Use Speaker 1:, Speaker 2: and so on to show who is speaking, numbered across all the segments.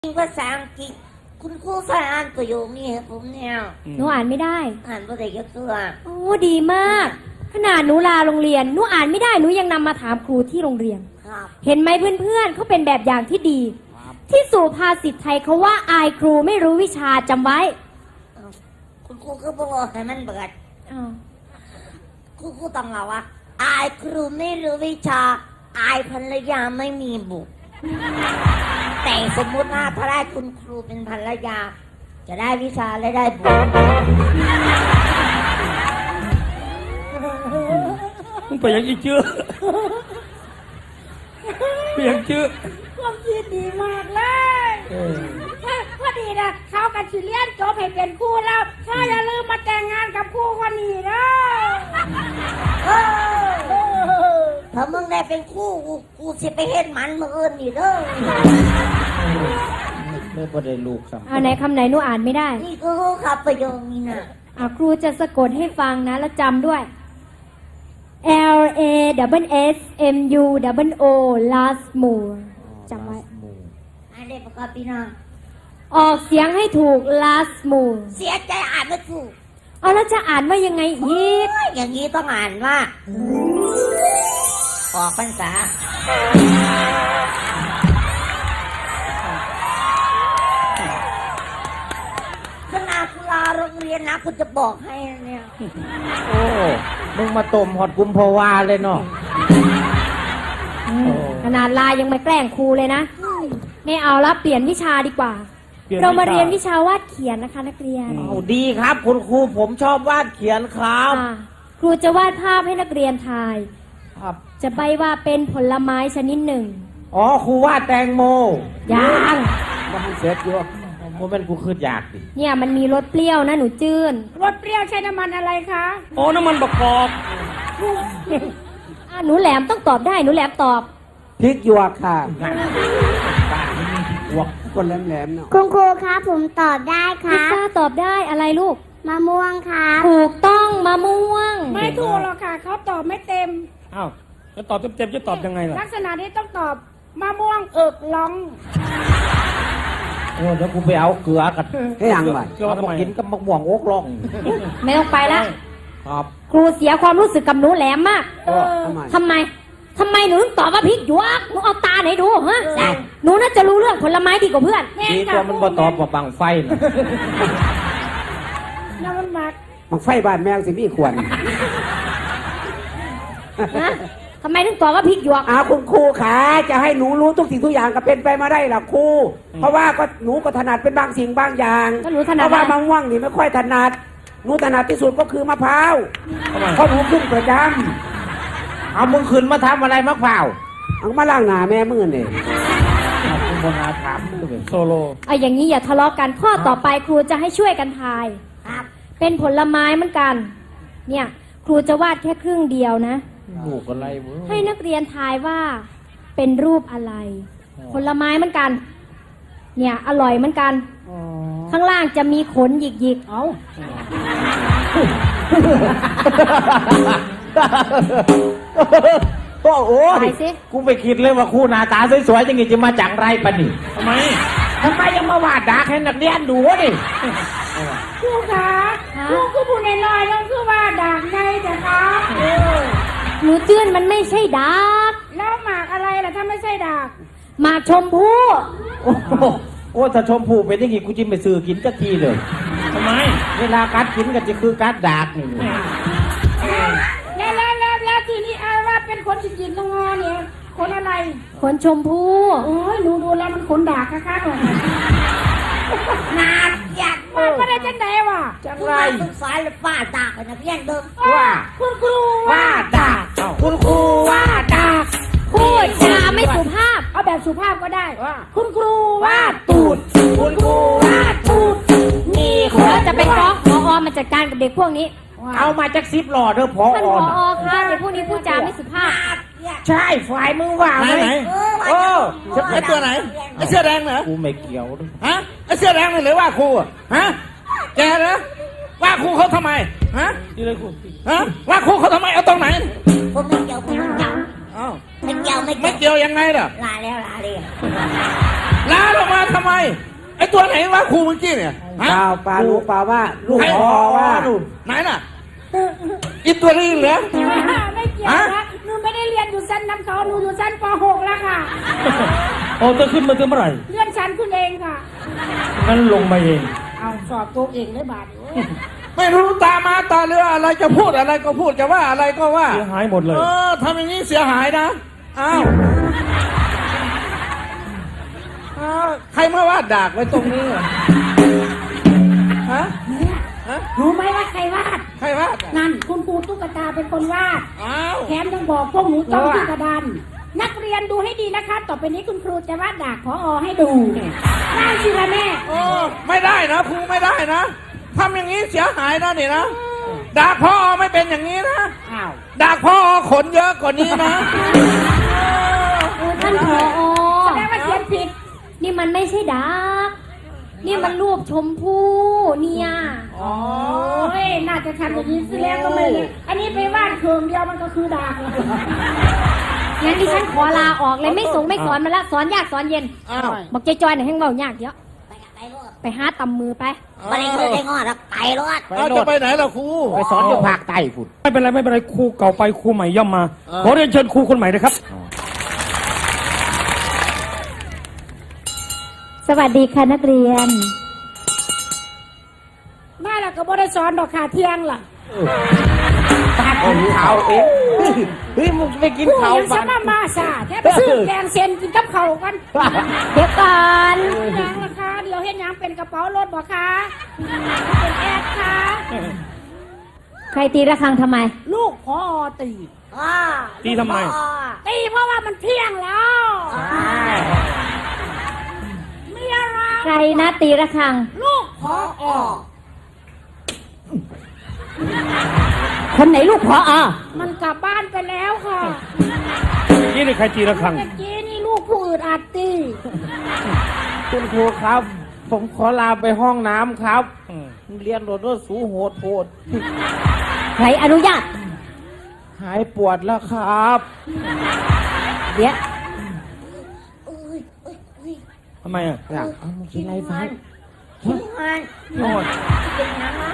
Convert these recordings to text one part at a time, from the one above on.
Speaker 1: ภาษาอังกฤษคุณครูสอนอ่านประโยคนี้ให้ผมเนี่ย
Speaker 2: หนูอ่านไม่ได้
Speaker 1: อ่านบ่ได้ยักตัว
Speaker 2: โอ้ดีมากขนาดหนูลาโรงเรียนหนูอ่านไม่ได้หนูยังนำมาถามครูที่โรงเรียนเห็นไหมเพื่อนๆเขาเป็นแบบอย่างที่ดีที่สุภาษิตไทยเขาว่าอายครูไม่รู้วิชาจำไว้
Speaker 1: คุณครูก็บอกให้มันเบิดครูต้องเล่าว่าอายครูไม่รู้วิชาอายภรรยาไม่มีบุตรแต่สมมุติว่าถ้าได้คุณครูเป็นภรรยาจะได้วิชาและได้บุญ
Speaker 3: มึงไปยังอีกเชื่อไปยังเชื่อ
Speaker 4: ความคิดดีมากเลยพอดีนะเขากับชิเลียนจบให้เป็นคู่แล้วถ้าอย่าลืมมาแต่งงานกับคู่คนนี้นะ
Speaker 1: ถ้ามึงได้เป็นคู่กูสิไปเฮ็ดมันมื้ออื่นนี่เด้อ
Speaker 3: ไม่พอได้ลูกซ้
Speaker 2: ำไหนคำไหนหนูอ่านไม่ได้
Speaker 1: นี่คือครับประโยคนี้นะ
Speaker 2: ครูจะสะกดให้ฟังนะแล้วจำด้วย L A S M U O last more จำไว้
Speaker 1: อ่านได้ประกอบพี่น้อง
Speaker 2: ออกเสียงให้ถูก last more
Speaker 1: เสียใจอ่านไม่ถูก
Speaker 2: แล้วจะอ่านว่ายังไงอีก
Speaker 1: อย่างนี้ต้องอ่านว่าออกพรรษาขนาดลาโรงเรียนนะคุณจะบอกให้เนี่ย
Speaker 3: โอ้มึงมาต้มหอดกุมภาวาเลยเนาะ
Speaker 2: ขนาดลายังมาแกล้งครูเลยนะไม่เอาละเปลี่ยนวิชาดีกว่าเรามาเรียนวิชาวาดเขียนนะคะนักเรียน
Speaker 3: ดีครับคุณครูผมชอบวาดเขียนครับ
Speaker 2: ครูจะวาดภาพให้นักเรียนทายจะใบว่าเป็นผลไม้ชนิดหนึ่ง
Speaker 3: ครูวาดแตงโม
Speaker 2: ยัง
Speaker 3: มันเสร็จอยู่ผมเป็นกูคืดอยากดิ
Speaker 2: เนี่ยมันมีรสเปรี้ยวนะหนูจื้น
Speaker 4: รสเปรี้ยวใช้น้ำมันอะไรคะ
Speaker 3: น้ำมันประกอบ
Speaker 2: หนูแหลมต้องตอบได้หนูแหลมตอบ
Speaker 3: พริกหยวกค่ะหยวกคนแหลมๆเนาะ
Speaker 5: คุณครูครับผมตอบได้ค่ะ
Speaker 2: พิซซ่าตอบได้อะไรลูก
Speaker 5: มะม่วงค่ะ
Speaker 2: ถูกต้องมะม่วง
Speaker 4: ไม่ถูกหรอกค่ะเขาตอบไม่เต็ม
Speaker 3: จะตอบเต็มจะตอบยังไงล่ะ
Speaker 4: ลักษณะนี้ต้องตอบมะม่วงเอิกล้อง
Speaker 3: เดี๋ยวกูไปเอาเกลือกันให้ยังไงเกลือมากินกับมะม่วงโอ๊กล่อง
Speaker 2: ไม่ต้องไปละ
Speaker 3: ครับ
Speaker 2: ครูเสียความรู้สึกกับหนูแหลมมากทำไมหนูต้องตอบว่าพริกหยวกหนูเอาตาไหนดูฮะหนูน่าจะรู้เรื่องผลไม้ดีกว่าเพื่อน
Speaker 3: ดีกว่ามันบ่ตอบว่าบังไฟนะ
Speaker 4: น้ำมันมัก
Speaker 3: บังไฟบ้านแมวสิพี่ควร
Speaker 2: ทำไมถึงตอบว่าพริกหยวก
Speaker 3: คุณครูขาจะให้หนูรู้ทุกสิ่งทุกอย่างก็เป็นไปมาได้หรอครูเพราะว่าก็หนูก็ถนัดเป็นบางสิ่งบางอย่างเพราะว่ามะม่วงนี่ไม่ค่อยถนัดหนูถนัดที่สุดก็คือมะพร้าวเพราะหนูขึ้นประจำเอามึงขึ้นมาทำอะไรมะพร้าวเอามาล้างหน้าแม่มือเนี่ยคุณบนาถามโซโล
Speaker 2: อย่างนี้อย่าทะเลาะกันข้อต่อไปครูจะให้ช่วยกันทายเป็นผลไม้เหมือนกันเนี่ยครูจะวาดแค่ครึ่งเดียวนะ
Speaker 3: รูปอะไร
Speaker 2: ให้นักเรียนทายว่าเป็นรูปอะไรผลไม้เหมือนกันเนี่ยอร่อยเหมือนกันข้างล่างจะมีขนหยิกๆ
Speaker 3: โอ้ยกูไปคิดเลยว่าคู่หน้าตาสวยๆจังงี้จะมาจังไรปะนี่ทำไมยังมาวาดดาร์กให้นักเรียนดูดิ
Speaker 4: ครูคะครูคือผู้น้อยๆต้องคือว่าดาร์กไงแต่คะ
Speaker 2: หนูจื้นมันไม่ใช่ดาร์ก
Speaker 4: แล้วหมากอะไรล่ะถ้าไม่ใช่ดาร์ก
Speaker 2: หมากชมพู่
Speaker 3: ถ้าชมพู่เป็นยังไงกูจิ้มไปซื้อกินจักทีเลยทำไมเวลากัดกินกันจะคือกัดดาร์กนี่
Speaker 4: แล้วทีนี้ว่าเป็นคนจริงๆตรงงอเนี่ยคนอะไร
Speaker 2: คนชมพู่
Speaker 4: โอ้ยดูแล้วมันขนดาร์กค่ะเลยนาดอยากมาก็ได้จังไดวะ
Speaker 1: จังไรศึกษาเลยป้าดากนะเพี้ยนเดิม
Speaker 3: ว่า
Speaker 4: คุณครู
Speaker 3: ว่าดากคุณครูว่าดาก
Speaker 2: พูดจาไม่สุภาพ
Speaker 4: เอาแบบสุภาพก็ได้คุณครู
Speaker 3: ว่าตูดคุณครูว่าตูด
Speaker 2: นี่คุณจะไปฟ้องผอ.มาจัดการกับเด็กพวกนี้
Speaker 3: เอามาจาก10 หล่อเด้อผอ.
Speaker 2: ท่านผอ.ค่ะเด็กพวกนี้พูดจาไม่สุภาพ
Speaker 3: ใช่ฝ่ายมึงว่าไหม
Speaker 6: ไอ้ตัวไหนไอ้เสื้อแดงเหรอ
Speaker 3: กูไม่เกี่ยว
Speaker 6: ฮะไอ้เสื้อแดงหรือว่าครูฮะแกเหรอว่าครูเขาทำไมฮะ
Speaker 3: นี่เลยครู
Speaker 6: ฮะว่าครูเขาทำไมเอาตรงไหน
Speaker 1: ผมไม่เกี่ยวผมไม่เกี่ยว
Speaker 6: อ้าว
Speaker 1: ไม่เกี่ยวไม่
Speaker 6: ไม่
Speaker 1: เกี่ยว
Speaker 6: เกี่ยวยังไงล่ะ
Speaker 1: ลาแล้วลาเลย
Speaker 6: ลาลงมาทำไม ไอ้ตัวไหนวะครูเมื่อกี้เนี่ยฮะ
Speaker 3: เปล่าเปล่ารู้เปล่าว่าลูก
Speaker 6: ใคร
Speaker 3: พ่อว่า
Speaker 6: ดูไหนน่ะอีตัวนี้เหรอ
Speaker 4: ไม่เกี่ยวนะหนูไม่ได้เรียนอยู่ชั้นน้ำเขาหนูอยู่ชั้นป .6 แล้วค่ะ
Speaker 7: โอ้จะขึ้นมาถึงเมื่อไหร่
Speaker 4: เลื่อนชั้นคุณเองค่ะ
Speaker 7: งั้นลงมาเอง
Speaker 4: เอาสอบตัวเองเลยบาท
Speaker 6: ไม่รู้ตามาตาเรืออะไรจะพูดอะไรก็พูดจะว่าอะไรก็ว่า
Speaker 7: เสียหายหมดเลย
Speaker 6: ทำอย่างนี้เสียหายนะอ้าวใครมาวาดดากไว้ตรงนี้อะฮะ
Speaker 4: รู้ไหมว่าใครวาด
Speaker 6: ใครวาดอะ
Speaker 4: นั่นคุณครูตุ๊กตาเป็นคนวาด
Speaker 6: อ้าว
Speaker 4: แถมยังบอกพวกหนูจ้องที่กระดานนักเรียนดูให้ดีนะคะ ต่อไปนี้คุณครูจะวาดดากผอให้ดูได้สิละแม่
Speaker 6: โอ้ไม่ได้นะครูไม่ได้นะทำอย่างนี้เสียหายนะนี่นะดากพ่อไม่เป็นอย่างนี้นะ
Speaker 4: อ้าว
Speaker 6: ดากพ่อขนเยอะกว่านี้นะ
Speaker 2: ท่านผอ
Speaker 4: แสดงว่าเขียนผิด
Speaker 2: นี่มันไม่ใช่ดัก นี่มันรูปชมพู่เนี่ย
Speaker 4: โอ้ยน่าจะทำอย่างนี้สิแล้วก็ไม่เลยอันนี้ไปวาดเคืองเดียวมันก็คือดากเลย
Speaker 2: งั้นดิฉันขอลาออกเลยไม่ส่งไม่สอนมันละสอนยากสอนเย็น
Speaker 6: อ้าว
Speaker 2: บอกจอยๆเนี่ยให้เบายากเยอะ
Speaker 1: ไปกับไปรถ
Speaker 2: ไปหาตำมือไป
Speaker 1: ไม่ได้เคยได้งอดแล้วไปรถ
Speaker 6: เอาจะไปไหนล่ะครู
Speaker 7: ไปสอนอยู่ภาคใต้พุ่นไม่เป็นไรไม่เป็นไรครูเก่าไปครูใหม่ย่อมมา ขอเรียนเชิญครูคนใหม่เลยครับ
Speaker 2: สวัสดีค่ะนักเรียน
Speaker 4: มาแล้วก็บ่ได้สอนดอกขาเที่ยงล่ะ
Speaker 3: เขาเองเฮ้ยมึงไปกิน
Speaker 4: ผู้
Speaker 3: เขา
Speaker 4: ยังสมามาซาแค่ไปซื้อแกงเซนกินกับเขาวกัน
Speaker 2: เดี๋ยวก่อน
Speaker 4: ยังราคาเดี๋ยวเห็นยังเป็นกระเป๋ารถบ่คะเป็นแอดค่ะ
Speaker 2: ใครตีระฆังทำไม
Speaker 4: ลูกพอตี
Speaker 7: ตีทำไม
Speaker 4: ตีเพราะว่ามันเที่ยงแล้วมีอะไร
Speaker 2: ใครนะตีระฆัง
Speaker 4: ลูกพอ
Speaker 2: คนไหนลูกพออ
Speaker 4: มันกลับบ้านไปแล้วค่ะ
Speaker 7: นี่นี่ใครตีระฆัง
Speaker 4: เมื่อกี้นี่ลูกผู้อื่นอาจตี
Speaker 8: คุณครูครับ ผมขอลาไปห้องน้ำครับ เรียนโดดว่าสูโหดโหด
Speaker 2: ใครอนุญาต
Speaker 8: หายปวดแล้วครับ
Speaker 2: เดี๋ยว
Speaker 7: ทำไมอ่ะ
Speaker 8: เอามึงกินอะไรฟัง
Speaker 1: ขี้งาน
Speaker 7: โนด
Speaker 1: เป็นยังไง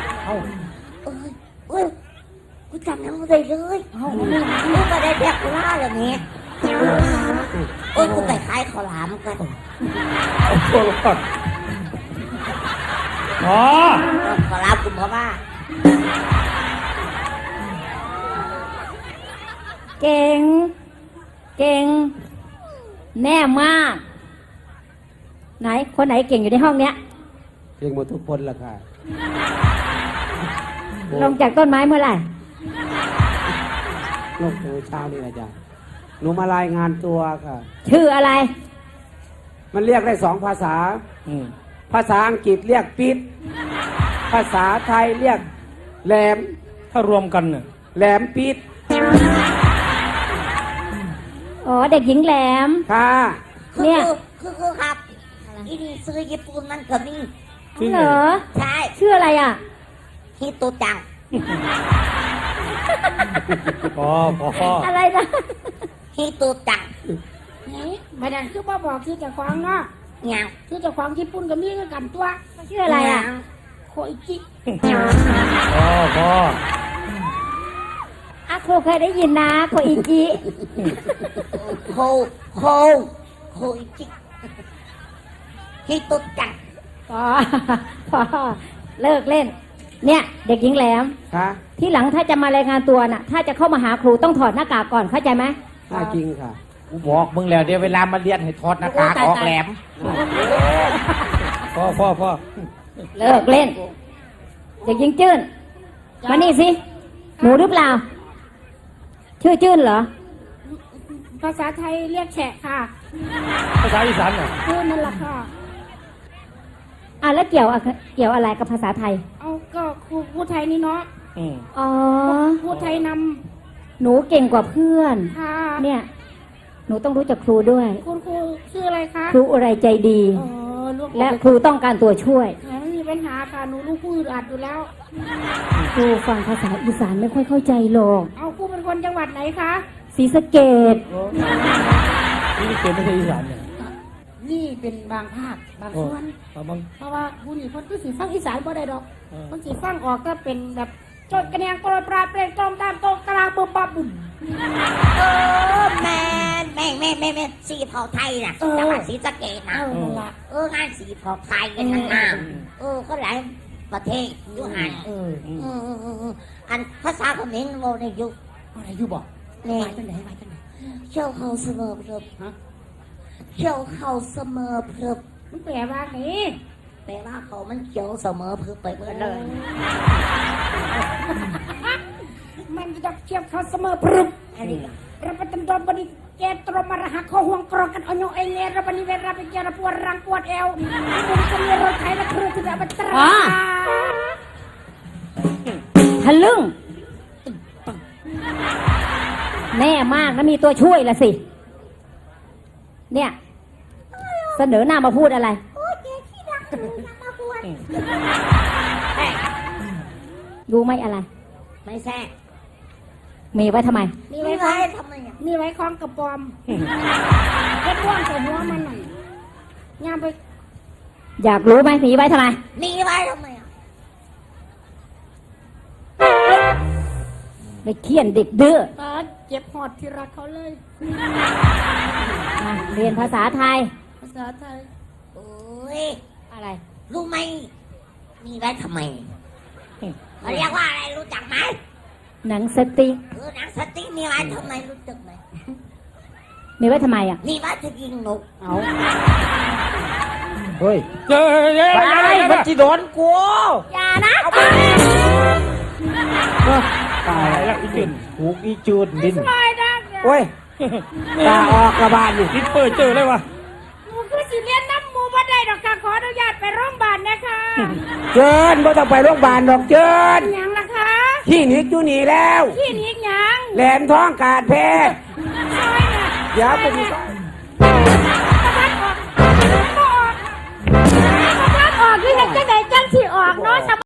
Speaker 1: กูจำยังไม่ได้เลยกูก็ได้แดกกูล่าอย่างนี้กูไปขายข้าวหลามกัน
Speaker 7: เอาตัวลงก่อนอ๋อ
Speaker 1: ข้าวหลามกูเพราะว่า
Speaker 2: เก่ง เก่ง แน่มาก ไหน คนไหนเก่งอยู่ในห้องเนี้ย
Speaker 3: เก่งหมดทุกคนละค่ะ
Speaker 2: ลงจากต้นไม้เมื่อไหร่
Speaker 3: ลงตัวเช้านี่แหละจ้ะหนูมารายงานตัวค่ะ
Speaker 2: ชื่ออะไร
Speaker 3: มันเรียกได้2 ภาษา
Speaker 7: อืม
Speaker 3: ภาษาอังกฤษเรียกปิด ภาษาไทยเรียกแหลม
Speaker 7: ถ้ารวมกันเนี่ย
Speaker 3: แหลมปิด
Speaker 2: อ๋อ เด็กหญิงแหลม
Speaker 3: ค่ะ
Speaker 2: เนี่ย
Speaker 1: คือครับอีนี่ซื้อญี่ปุ่นมันก็มี
Speaker 2: เหรอ
Speaker 1: ใช่
Speaker 2: ชื่ออะไรอ่ะ
Speaker 1: ฮิโตจัง
Speaker 7: พอ
Speaker 2: อะไรนะ
Speaker 1: ฮิโตจัง
Speaker 4: นี่ไม่ได้คือบ่บอกคือเจะควางเนาะ
Speaker 1: ยัง
Speaker 4: คือเจะควางญี่ปุ่นก็มีคือกันตัว
Speaker 2: ชื่ออะไรอ่ะ
Speaker 4: โคอิจิ
Speaker 7: พอ
Speaker 2: อาครูเคยได้ยินนะโคอิจิ
Speaker 1: โคอิจิฮิโตจัง
Speaker 2: พอพอเลิกเล่น เนี่ย เด็กหญิงแหลม
Speaker 3: ค่ะ
Speaker 2: ที่หลังถ้าจะมารายงานตัวน่ะ ถ้าจะเข้ามาหาครูต้องถอดหน้ากากก่อนเข้าใจไหม
Speaker 3: น่าจริงค่ะ
Speaker 8: กูบอกมึงแล้วเดี๋ยวเวลามาเรียนให้ถอดหน้ากากออกแหลม
Speaker 7: พอ
Speaker 2: เลิกเล่น เด็กหญิงจื้นมานี่สิหนูหรือเปล่า ชื่อจื้นเหรอ
Speaker 4: ภาษาไทยเรียกแฉะค่ะ
Speaker 7: ภาษาอีสานเหรอ
Speaker 4: คือนั่นแหละค่ะ
Speaker 2: อ่ะแล้วเกี่ยวอะไรกับภาษาไทย
Speaker 4: เอาก็ครูพูดไทยนี่เนาะ
Speaker 7: อืม
Speaker 2: อ๋อ
Speaker 4: พูดไทยน
Speaker 2: หนูเก่งกว่าเพื่อน
Speaker 4: ำค่ะ
Speaker 2: เนี่ย หนูต้องรู้จักครูด้วย
Speaker 4: คุณครูชื่ออะไรคะ
Speaker 2: ครูอะไรใจดี
Speaker 4: อ๋อลูก
Speaker 2: และครูต้องการตัวช่วย
Speaker 4: ไม่มีปัญหาค่ะหนูลูกผู้อื่นอัดอยู่แล้ว
Speaker 2: ครูฟังภาษาอีสานไม่ค่อยเข้าใจหรอก
Speaker 4: เอาครูเป็นคนจังหวัดไหนคะ
Speaker 2: ศรีสะเกษ
Speaker 7: นี่เกิดไม่ใช่อีสานเนี่ย
Speaker 4: นี่เป็นบางภาคบางส่วน
Speaker 7: บาง
Speaker 4: เพราะว่าผู้นี่คนก็สิฟังอีสานบ่ได้ดอกคนสิฟังออกก็เป็นแบบโจดกระเนียงโปรยปลาเปล่งตรงตามตรงกลางบุบบับบุ่ม
Speaker 1: แม่สีเผาไทยน่ะจังหวัดศรีสะเกษนะ
Speaker 4: นั่นละ
Speaker 1: งานสีเผาไทยกันทั้งนั้นก็หลายประเทศอยู่หันอันภาษาเขมรโมในยุค
Speaker 4: อะไรอยู่บอก
Speaker 1: นี่
Speaker 4: ไปจังไหนไปจังไหน
Speaker 1: เชี่ยวเขาเสมอเพลิบเชี่ยวเขาเสมอเพลิบ
Speaker 4: มันแปลว่าไง
Speaker 1: แปลว่าเขามันเขียวเสมอเพลิบไปเมื่อเลย
Speaker 4: มันจะเทียบเขาเสมอพรึบ
Speaker 1: อันนี้
Speaker 4: เราไปตันโดนบริแกตรมาระหักเขาห่วงกรอกันเอาโยเองเงเราบริเวณเราไปเจอปวดรังปวดเอวมันจะมีรถไถและครูที่แบบตรา
Speaker 2: ทะลึ่งแน่มากนะมีตัวช่วยละสิ เนี่ย เสนอหน้ามาพูดอะไร
Speaker 1: โอ้ยเจ๊ที่รักหนูนะมาบวช
Speaker 2: รู้ไหมอะไร
Speaker 1: ไม่แซ่
Speaker 2: มีไว้ทำไม
Speaker 4: มี
Speaker 1: ไม่
Speaker 4: ไว้
Speaker 1: ไว้
Speaker 4: คล้อง
Speaker 1: ทำไมอ่ะ
Speaker 4: มีไว้คล้องกระปอมเก็บว่างใส่หัวมันหน่อยงามไป
Speaker 2: อยากรู้ไหมมีไว้ทำไม
Speaker 1: มีไว้ทำไมอ่ะ
Speaker 2: ไปเคี่ยนเด็กดื้อ
Speaker 4: ตาเจ็บหอดที่รักเขาเลย
Speaker 2: มาเรียนภาษาไทย
Speaker 4: ภาษาไทย
Speaker 1: โอ้ย
Speaker 2: อะไร
Speaker 1: รู้ไหมมีไว้ทำไมเขาเรียกว่าอะไรรู้จักไหม
Speaker 2: หนังสติ๊ก
Speaker 1: หนังสติ๊กมีไว้ทำไมรู้จักไหม
Speaker 2: มีไว้ทำไมอ่ะ
Speaker 1: มีไว้จะยิงนก
Speaker 3: เอาเฮ้ย
Speaker 7: เจอเย้
Speaker 3: ไปมันจีโดนกู
Speaker 2: อย่านะ
Speaker 3: ตาย
Speaker 7: อะไรล่ะอีจุน
Speaker 3: หูอีจูดดิน
Speaker 4: ไม่ได้เนี่ย
Speaker 3: โอ้ยตาออกกระบาลนี่
Speaker 7: คิดเปิดเจอเลยวะ
Speaker 4: หนูคือสิเลียนน้ำหมูบ่ได้ดอกค่ะขออนุญาตไปโรงพยาบาลนะคะ
Speaker 3: เจิญบ่ต้องไปโรงพยาบาลดอกเจิญ
Speaker 4: หยังล่ะคะ
Speaker 3: ที่นิกอยู่นี่แล้ว
Speaker 4: ที่นี้หยัง
Speaker 3: แหลมท้องการแพทย์
Speaker 4: ซอยน่ะ
Speaker 3: เดี๋ยวผม